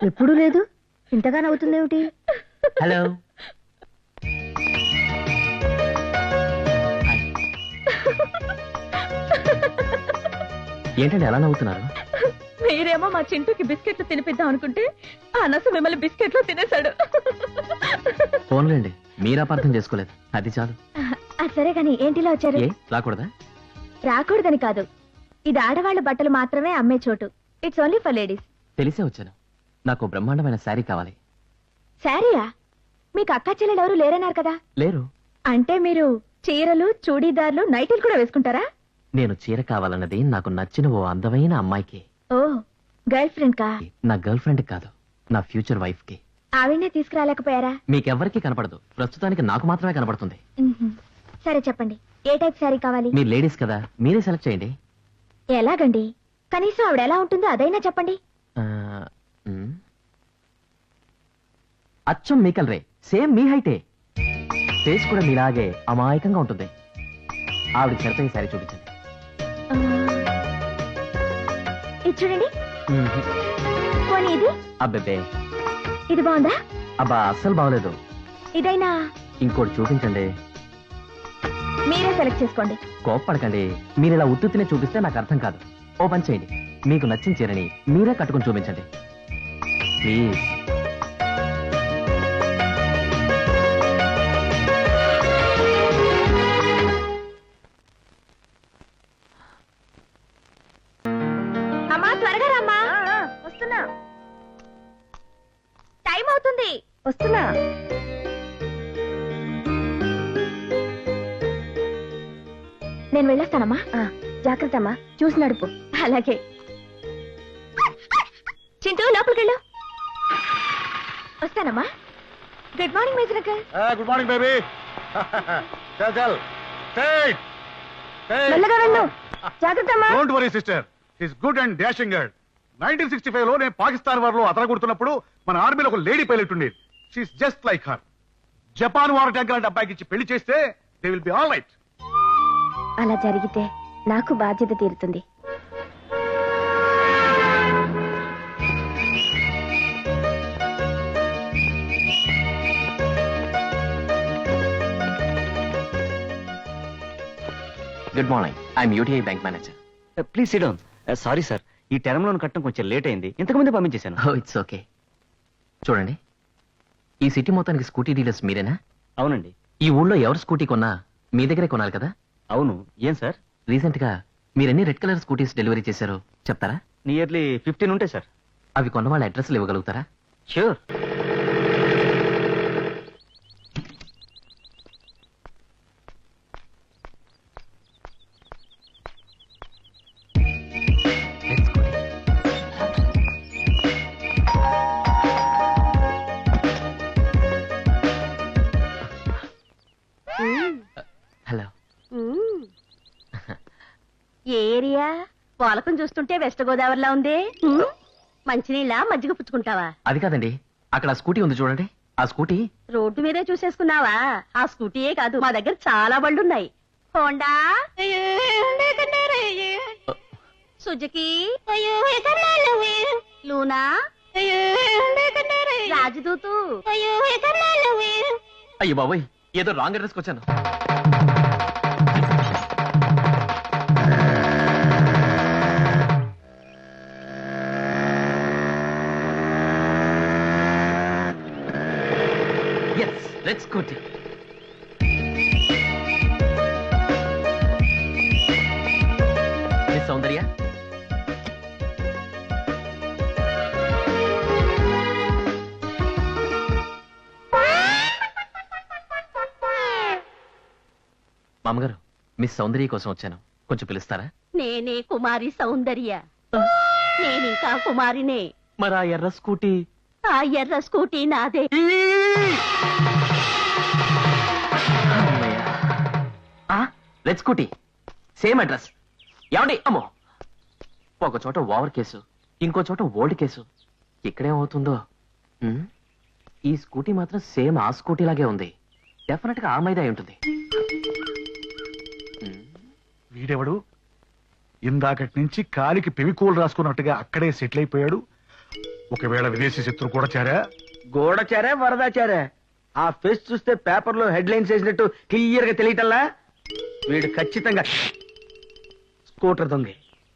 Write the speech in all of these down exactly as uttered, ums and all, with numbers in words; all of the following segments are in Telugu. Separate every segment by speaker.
Speaker 1: ఎప్పుడూ లేదు, ఇంతగా నవ్వుతుందేమిటి?
Speaker 2: హలో. ఏంటండి ఎలా నవ్వుతున్నారు?
Speaker 1: మీరేమో మా చింటూకి బిస్కెట్లు తినిపిద్దాం అనుకుంటే ఆ నసు మిమ్మల్ని బిస్కెట్లు తినేశాడు.
Speaker 2: ఫోన్లేండి, మీరు అపార్థం చేసుకోలేదు, అది చాలు.
Speaker 1: సరే కానీ ఏంటిలా వచ్చారు?
Speaker 2: ఏ రాకూడదా?
Speaker 1: రాకూడదని కాదు, ఇది ఆడవాళ్ళ బట్టలు మాత్రమే అమ్మే చోటు. It's only for ladies.
Speaker 2: తెలిసే వచ్చాను. నాకు బ్రహ్మాండమైన శారీ కావాలి.
Speaker 1: శారీయా? మీకు అక్కా చెల్లెలు ఎవరు లేరన్నారు కదా?
Speaker 2: లేరు.
Speaker 1: అంటే మీరు చీరలు, చూడీదార్లు, నైటీలు కూడా వేసుకుంటారా?
Speaker 2: నేను చీర కావాలన్నది నాకు నచ్చిన ఓ అందమైన అమ్మాయికి.
Speaker 1: ఓ, గర్ల్ ఫ్రెండ్ కా?
Speaker 2: నా గర్ల్ ఫ్రెండ్ కాదు, నా ఫ్యూచర్ వైఫ్ కి.
Speaker 1: ఆవిడనే తీసుకురాలేకపోయారా?
Speaker 2: మీకెవ్వరికీ కనపడదు, ప్రస్తుతానికి నాకు మాత్రమే కనపడుతుంది.
Speaker 1: మ్మ్హ్మ్. సరే చెప్పండి, ఏ టైప్ శారీ కావాలి?
Speaker 2: మీరు లేడీస్ కదా, మీరే సెలెక్ట్ చేయండి.
Speaker 1: ఎలాగండి? కనీసం ఆవిడ ఎలా ఉంటుందో అదైనా చెప్పండి.
Speaker 2: ఆ, మ్. అచ్చం మీ కలరే, సేమ్ మీ హైటే, ఫేస్ కూడా మీలాగే అమాయకంగా ఉంటుంది. ఆవిడ సరిపోయే శారీ చూపించండి.
Speaker 1: ఆ, ఇది చూడండి.
Speaker 2: మ్మ్.
Speaker 1: పోనీ ఇది?
Speaker 2: అబ్బెబ్బే,
Speaker 1: ఇది బాగుందా?
Speaker 2: అబ్బా అస్సలు బాగలేదు.
Speaker 1: ఇదైనా?
Speaker 2: ఇంకోటి చూపించండి.
Speaker 1: మీరే సెలెక్ట్ చేసుకోండి.
Speaker 2: కోప్పడకండి, మీరు ఇలా ఉత్తునే చూపిస్తే నాకు అర్థం కాదు. ఓ పని చేయండి, మీకు నచ్చిన చీరని మీరే కట్టుకుని చూపించండి ప్లీజ్.
Speaker 1: అమ్మా త్వరగా రమ్మా. వస్తున్నా. టైం అవుతుంది. వస్తున్నా. నేను వెళ్ళొస్తానమ్మా. జాగ్రత్త అమ్మా, చూసి నడుపు. అలాగే. చింటూ లోపలికెళ్ళు. వస్తానమ్మా. Good morning major uncle.
Speaker 3: Good morning baby. చల్ చల్ స్ట్రైట్
Speaker 1: మెల్లగా వెళ్ళు. జాగ్రత్త అమ్మా.
Speaker 3: Don't worry sister, his good and dashing girl. Nineteen sixty five లో నేను పాకిస్తాన్ వార్ లో అతరగొడుతున్నప్పుడు మన ఆర్మీలో ఒక లేడీ పైలట్ ఉండేది. She's just like her. Japan war tank లాంటి అబ్బాయికి ఇచ్చి పెళ్లి చేస్తే they will be all right.
Speaker 1: అలా జరిగితే నాకు బాధ్యత తీరుతుంది.
Speaker 2: Good morning, I'm UTI bank manager.
Speaker 4: Please SIT down. Sorry sir, ఈ టర్మ్ లోన్ కట్టడం కొంచెం లేట్ అయింది, ఇంతకుముందే పంపించేశాను.
Speaker 2: Oh it's okay. చూడండి, ఈ సిటీ మొత్తానికి స్కూటీ డీలర్స్ మీరేనా?
Speaker 4: అవునండి.
Speaker 2: ఈ ఊళ్ళో ఎవరు స్కూటీ కొన్నా మీ దగ్గరే కొనాలి కదా?
Speaker 4: అవును. ఏం సార్?
Speaker 2: రీసెంట్ గా మీరెన్ని రెడ్ కలర్ స్కూటీస్ డెలివరీ చేశారో చెప్తారా?
Speaker 4: నియర్లీ ఫిఫ్టీన్ ఉంటాయి సార్.
Speaker 2: అవి కొన్న వాళ్ళ అడ్రస్లు ఇవ్వగలుగుతారా?
Speaker 4: ష్యూర్.
Speaker 2: హలో.
Speaker 1: ఏ ఏరియా? పాలకం చూస్తుంటే వెస్ట్ గోదావరిలా ఉంది. మంచినీళ్ళ మజ్జిగ పుచ్చుకుంటావా?
Speaker 2: అది కాదండి, అక్కడ ఆ స్కూటీ ఉంది చూడండి, ఆ స్కూటీ.
Speaker 1: రోడ్డు మీదే చూసేసుకున్నావా? ఆ స్కూటీయే కాదు, మా దగ్గర చాలా బళ్ళున్నాయి. Honda, Suzuki, Luna, Rajdoot.
Speaker 2: అయ్యో బాబోయ్, ఏదో రాంగ్ అడ్రస్కి వచ్చాను. Yes, let's go. Miss Saundarya. మామగారు, మిస్ సౌందర్య కోసం వచ్చాను, కొంచెం పిలుస్తారా?
Speaker 1: నేనే కుమారి సౌందర్య. నేనింకా కుమారినే.
Speaker 2: మరి ఆ ఎర్ర స్కూటీ?
Speaker 1: ఆ ఎర్ర స్కూటీ నాదే.
Speaker 2: Red scooty, same address. ఏమండి? అమ్మో, ఒక చోట ఓవర్ కేసు, ఇంకో చోట ఓల్డ్ కేసు. ఇక్కడేమవుతుందో. ఉమ్, ఈ స్కూటీ మాత్రం సేమ్ ఆ స్కూటీ లాగే ఉంది. డెఫినెట్ గా ఆ మీద అయి ఉంటుంది.
Speaker 3: వీడెవడు? ఇందాకటి నుంచి కాలికి పెవికోలు రాసుకున్నట్టుగా అక్కడే సెటిల్ అయిపోయాడు. ఒకవేళ విదేశీ శత్రు కూడా చేరా
Speaker 5: గోడచారా వరదాచారా ఆ ఫేస్ చూస్తే పేపర్ లో హెడ్ లైన్స్ వేసినట్టు క్లియర్ గా తెలియటల్లా వీడు ఖచ్చితంగా స్కూటర్ దొంగ.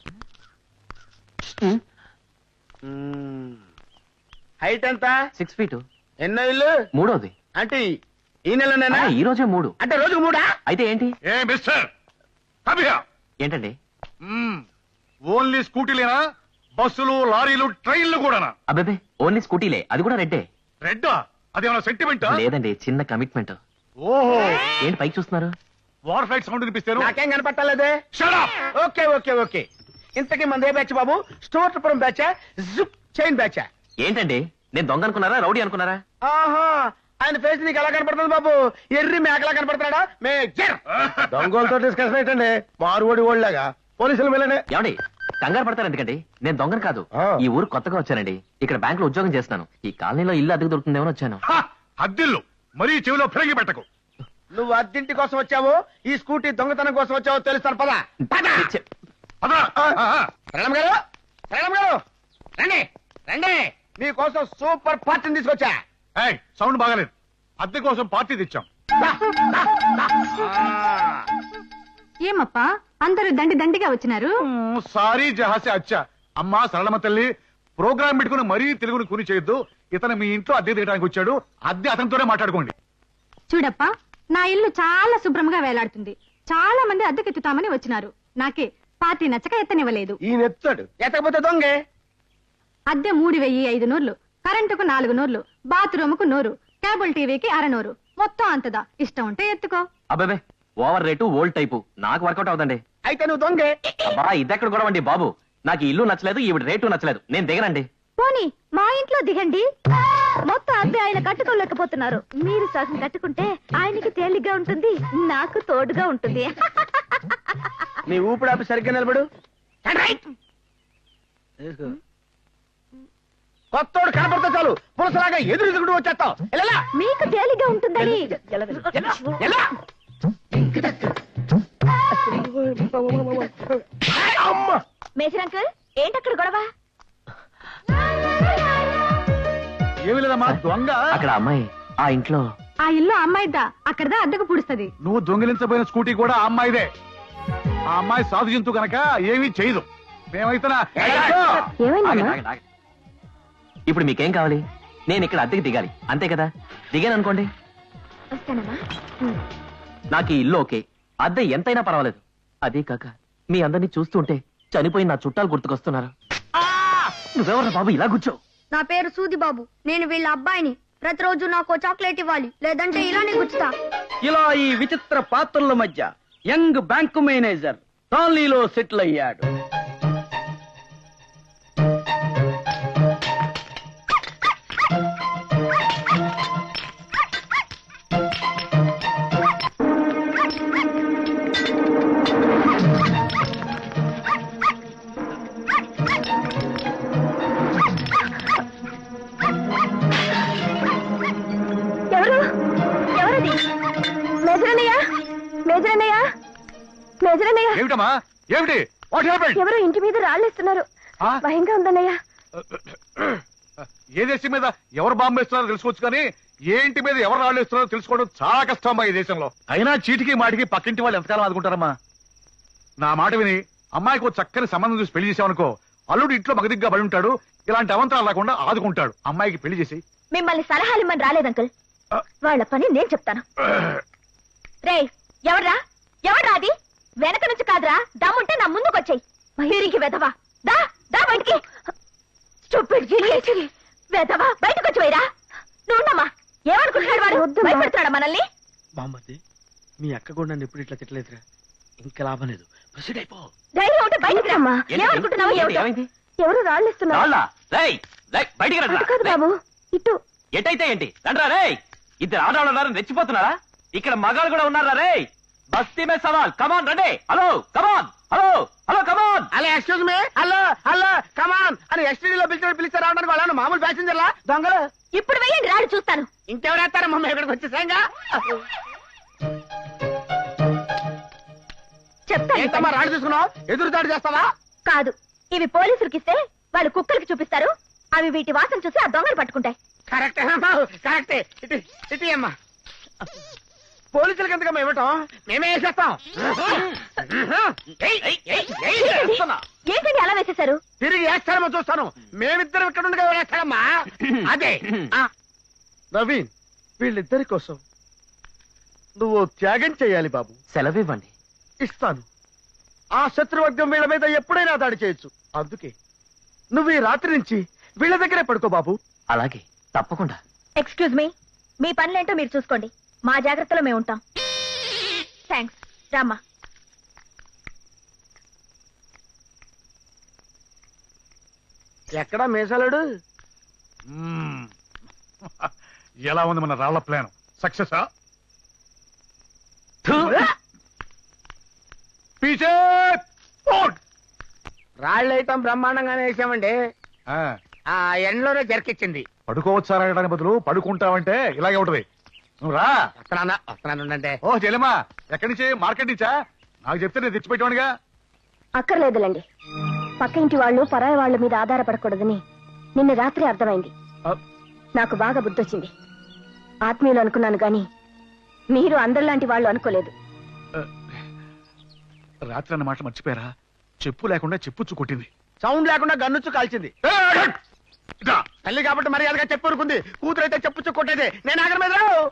Speaker 5: హైట్ ఎంత?
Speaker 2: సిక్స్ ఫీట్
Speaker 5: ఎన్నో ఇల్లు?
Speaker 2: మూడోది.
Speaker 5: అంటే ఈ నెలనేనా?
Speaker 2: ఆ, ఈ రోజే మూడు.
Speaker 5: అంటే రోజుకు మూడా?
Speaker 2: అయితే ఏంటి?
Speaker 3: ఏ మిస్టర్ కమియా
Speaker 2: ఏంటండి?
Speaker 3: ఓన్లీ స్కూటీలేనా బస్సులు లారీలు ట్రైన్లు కూడానా?
Speaker 2: అబ్బాబే ఓన్లీ స్కూటీలే, అది కూడా రెడ్డే.
Speaker 3: రెడ్డా? అదేమన్నా సెంటిమెంట్?
Speaker 2: లేదండి, చిన్న కమిట్మెంట్.
Speaker 3: ఓహో,
Speaker 2: ఏంటి పైకి చూస్తున్నారు?
Speaker 3: వార్ ఫ్లైట్ సౌండ్ వినిపిస్తాను.
Speaker 5: నాకేం కనపట్టాలేదే.
Speaker 3: Shut up!
Speaker 5: Okay okay okay ఇంతకీ మంది ఏ బ్యాచ్ బాబు? స్టోర్పురం బ్యాచా జిప్ చైన్ బ్యాచా?
Speaker 2: ఏంటండి, నేను దొంగ అనుకున్నారా రౌడీ అనుకున్నారా?
Speaker 5: ఆహా, ఆయన ఫేస్ నీకు ఎలా కనపడుతుంది బాబు? ఎర్రి మేకలా కనపడుతున్నాడా? మేజర్ దొంగలతో డిస్కషన్ ఏంటండి? మారువడి ఓళ్ళగా పోలీసులు వెళ్ళండి.
Speaker 2: ఏమండి కంగారు పడతారు ఎందుకండి? నేను దొంగను కాదు,
Speaker 5: ఆ.
Speaker 2: ఈ ఊరు కొత్తగా వచ్చానండి. ఇక్కడ బ్యాంక్ లో ఉద్యోగం చేస్తున్నాను. ఈ కాలనీలో ఇల్లు అద్దెకు దొరుకుతుందేమో వచ్చాను.
Speaker 3: హ, అద్దిల్లు మరీ చెవిలో ఫిరంగి పెట్టకు.
Speaker 5: నువ్వు అద్దెంటి కోసం వచ్చావు, ఈ స్కూటీ దొంగతనం కోసం వచ్చావు తెలుస్తాను. పద పద.
Speaker 2: ఛే,
Speaker 3: అదరా
Speaker 5: ప్రణమ్ గారు, ప్రణమ్ గారు, రండి రండి, మీకోసం సూపర్ పార్టీని తీసుకొచ్చా.
Speaker 3: సౌండ్ బాగాలేదు. అద్దె కోసం పార్టీ తెచ్చాం.
Speaker 5: దా, దా, దా. ఆ.
Speaker 6: ఏమప్పా అందరూ దండి దండిగా వచ్చినారు?
Speaker 3: మ్మ్, సారీ జహాసే అచ్చా. అమ్మా సరళమ్మ తల్లి, ప్రోగ్రామ్ పెట్టుకుని మరీ తెలుగుని కుని చేయొద్దు. ఇతను మీ ఇంట్లో అద్దె దిగడానికి వచ్చాడు. అద్దె అతనితోనే మాట్లాడుకోండి.
Speaker 6: చూడప్పా, నా ఇల్లు చాలా శుభ్రంగా వేలాడుతుంది. చాలా మంది అద్దెకెత్తుతామని వచ్చినారు. నాకే పార్టీ నచ్చక ఎత్తనివ్వలేదు.
Speaker 5: ఈయన ఎత్తాడు, ఎత్తకపోతే దొంగే.
Speaker 6: అద్దె మూడు వెయ్యి ఐదు నూర్లు, కరెంటుకు నాలుగు నూర్లు, బాత్రూమ్ కు నూరు, కేబుల్ టీవీకి అరనూరు, మొత్తం అంతదా. ఇష్టం ఉంటే ఎత్తుకో.
Speaker 2: అబ్బాబే ఓవర్ రేటు ఓల్డ్ టైపు నాకు వర్కౌట్ అవుతండి.
Speaker 5: అయితే నువ్వు దొంగే.
Speaker 2: అబ్బా ఇదెక్కడ కూడా అండి బాబు, నాకు ఈ ఇల్లు నచ్చలేదు, ఈవిడ రేటు నచ్చలేదు, నేను దిగనండి.
Speaker 1: పోనీ మా ఇంట్లో దిగండి. మొత్తం అద్దె ఆయన కట్టుకోలేకపోతున్నారు. మీరు సగం కట్టుకుంటే ఆయనకి తేలిగ్గా ఉంటుంది, నాకు తోడుగా ఉంటుంది.
Speaker 5: నీ ఊపిడి ఆపి సరిగ్గా నిలబడు. కొత్తోడు కనపడితే చాలు పులసలాగా ఎదురు ఎదుగుడు వచ్చేస్తావు. ఎలా
Speaker 1: మీకు తేలిగ్గా ఉంటుందని.
Speaker 5: ఎలా? అమ్మ
Speaker 1: మేజర్ అంకుల్, ఏంటక్కడ గొడవ?
Speaker 3: ఏమి లేదమ్మా, దొంగ
Speaker 2: అక్కడ అమ్మాయి ఆ ఇంట్లో.
Speaker 6: ఆ ఇల్లు అమ్మాయిద్దా, అక్కడదా అద్దెకు పుడుస్తుంది.
Speaker 3: నువ్వు దొంగిలించబోయిన స్కూటీ కూడా ఆ అమ్మాయిదే. ఆ అమ్మాయి సాధు జంతు కనుక ఏమీ చేయదు. మేమైతే
Speaker 1: ఏమైందమ్మా?
Speaker 2: ఆగండి, ఆగండి, ఆగండి. ఇప్పుడు మీకేం కావాలి? నేను ఇక్కడ అద్దెకి దిగాలి అంతే కదా. దిగాను అనుకోండి,
Speaker 1: వస్తానమ్మా.
Speaker 2: నాకు ఈ ఇల్లు ఓకే, అద్దె ఎంతైనా పర్వాలేదు. అదే కాక మీ అందరినీ చూస్తుంటే చనిపోయిన నా చుట్టాలు గుర్తుకొస్తున్నారు. నువ్వెవరు బాబు ఇలా కూర్చో?
Speaker 7: నా పేరు సూది బాబు. నేను వీళ్ళ అబ్బాయిని. ప్రతిరోజు నాకు చాక్లెట్ ఇవ్వాలి, లేదంటే ఇలానే గుచ్చుతా.
Speaker 5: ఇలా ఈ విచిత్ర పాత్రల మధ్య యంగ్ బ్యాంకు మేనేజర్ కాలనీలో సెటిల్ అయ్యాడు.
Speaker 1: ఎవరు? ఎవరది? మేజరన్నయ్య, మేజరన్నయ్య, మేజరన్నయ్య.
Speaker 3: ఏమిటమ్మా? ఏమిటి? What happened?
Speaker 1: ఎవరో ఇంటి మీద రాళ్ళేస్తున్నారు.
Speaker 3: ఆ?
Speaker 1: భయంగా ఉందన్నయ్య.
Speaker 3: ఏ దేశం మీద ఎవరు బాంబు వేస్తున్నారో తెలుసుకోవచ్చు, కానీ ఏ ఇంటి మీద ఎవరు రాళ్ళు వేస్తున్నారో తెలుసుకోవడం చాలా కష్టం అమ్మా ఈ దేశంలో. అయినా చీటికి మాటికి పక్కింటి వాళ్ళు ఎంతకాలం ఆదుకుంటారమ్మా? నా మాట విని అమ్మాయికి ఓ చక్కని సంబంధం చూసి పెళ్లి చేసావనుకో, అల్లుడు ఇంట్లో మగదిగ్గా పడి ఉంటాడు. ఇలాంటి అవంతరాలు రాకుండా ఆదుకుంటాడు. అమ్మాయికి పెళ్లి చేసి.
Speaker 1: మిమ్మల్ని సలహాలు ఇమ్మని రాలేదు అంకుల్, వాళ్ళ పని నేను చెప్తాను. రేయ్, ఎవడ్రా? ఎవడ్రా అది? వెనక నుంచి కాదురా, దమ్ముంటే నా ముందుకు వచ్చాయి. మయూరికి వెధవా, దా దా బయటికి. Stupid idiot. వెధవా, బయటకు వచ్చి వైరా. నువ్వున్నమ్మా, ఏమనుకుంటున్నాడు వాడు? భయపెడతాడా మనల్ని?
Speaker 5: బామ్మది, మీ అక్క కూడా నన్ను ఎప్పుడు ఇట్లా తిట్టలేదురా. ఇంకా లాభం లేదు, ప్రొసీడ్ అయిపో.
Speaker 1: ధైర్యం ఉంటే బయటికి రమ్మా.
Speaker 2: ఏంటి?
Speaker 1: ఏమనుకుంటున్నావు?
Speaker 2: ఏంటి?
Speaker 1: ఏమిటో?
Speaker 2: ఏమైంది?
Speaker 1: ఎవరు రాళ్ళు ఇస్తున్నారు?
Speaker 2: రాళ్ళా? రేయ్, రేయ్, బయటికి రండి.
Speaker 1: అటు కాదు బాబు, ఇటు.
Speaker 2: ఎటైతే ఏంటి రండ్రా. రే ఇద్దరు ఆడవాళ్ళు ఉన్నారని రెచ్చిపోతున్నారా? ఇక్కడ మగాళ్ళు కూడా ఉన్నారా? రే బస్తీ మే సవాల్, కమాన్ రండి. Hello come on, hello hello come on.
Speaker 5: అలా excuse me, hello hello come on అని ఎస్టీడీలో పిలిచాడు పిలిచారు రావడానికి వాళ్ళ మామూలు ప్యాసింజర్లా దొంగలు.
Speaker 1: ఇప్పుడు వెయ్యండి, రాడు చూస్తాను.
Speaker 5: ఇంకెవరు వేస్తారా మమ్మీ ఇక్కడికి వచ్చేసాంగా?
Speaker 1: చెప్తాను.
Speaker 5: ఏంటమ్మా రాడు తీసుకున్నావు? ఎదురు దాడి చేస్తావా?
Speaker 1: కాదు, ఇవి పోలీసులకి ఇస్తే వాళ్ళు కుక్కలకి చూపిస్తారు. అవి వీటి వాసన చూసి ఆ దొంగలు పట్టుకుంటాయి.
Speaker 5: కరెక్టే అమ్మా కరెక్టే ఇటు ఇటు అమ్మా పోలీసులకి ఎందుకమ్మా ఇవ్వటం మేమే వేసేస్తాం ఏయ్, ఏయ్, ఏయ్, ఏయ్, వేస్తున్నా.
Speaker 1: ఏంటండి అలా వేసేశారు?
Speaker 5: తిరిగి వేస్తారేమో చూస్తాను మేమిద్దరం ఇక్కడ ఉండగా వేస్తాడమ్మా అదే ఆ. నవీన్ వీళ్ళిద్దరి కోసం నువ్వు త్యాగం చేయాలి బాబు.
Speaker 2: సెలవివ్వండి.
Speaker 5: ఇస్తాను. ఆ శత్రువర్గం వీళ్ళ మీద ఎప్పుడైనా దాడి చేయొచ్చు. అందుకే నువ్వు ఈ రాత్రి నుంచి వీళ్ళ దగ్గరే పడుకో బాబు.
Speaker 2: అలాగే, తప్పకుండా.
Speaker 1: ఎక్స్క్యూజ్ మీ, మీ పనులేంటో మీరు చూసుకోండి. మా జాగ్రత్తలో మేము ఉంటాం. థ్యాంక్స్. రామ్మా.
Speaker 5: ఎక్కడా మేసాలాడు?
Speaker 3: మ్మ్. ఎలా ఉంది మన రాళ్ల ప్లాన్? సక్సెసా? పీచే పోట్.
Speaker 5: రాళ్ళైతం బ్రహ్మాండంగానే వేసామండి.
Speaker 3: ఆ,
Speaker 5: ఆ ఎండలోనే జర్కిచ్చింది.
Speaker 3: పడుకోవచ్చారా అనడానికి బదులు పడుకుంటావంటే ఇలాగే ఉంటది. నువ్వు రా.
Speaker 5: వస్తున్నానా వస్తున్నాను అంటే
Speaker 3: ఓ చెల్లెమ్మా, ఎక్కడి నుంచి? మార్కెట్ నుంచా? నాకు చెప్తే నేను తెచ్చిపెట్టేవాడిగా.
Speaker 1: అక్కర్లేదులండి. పక్క ఇంటి వాళ్ళు పరాయి వాళ్ళ మీద ఆధారపడకూడదని నిన్న రాత్రి అర్థమైంది.
Speaker 3: ఆ,
Speaker 1: నాకు బాగా బుద్ధొచ్చింది. ఆత్మీయులు అనుకున్నాను గాని మీరు అందరిలాంటి వాళ్ళు అనుకోలేదు.
Speaker 3: రాత్రి అన్న మాట మర్చిపోయారా? చెప్పు లేకుండా చెప్పుచ్చు కొట్టింది.
Speaker 5: సౌండ్ లేకుండా గన్నుచ్చు కాల్చింది.
Speaker 3: ఏ, ఇదా.
Speaker 5: తల్లి కాబట్టి మర్యాదగా చెప్పు ఊరుకుంది. కూతురైతే చెప్పుచ్చు కొట్టేది. నేను ఆగర మీద రావు.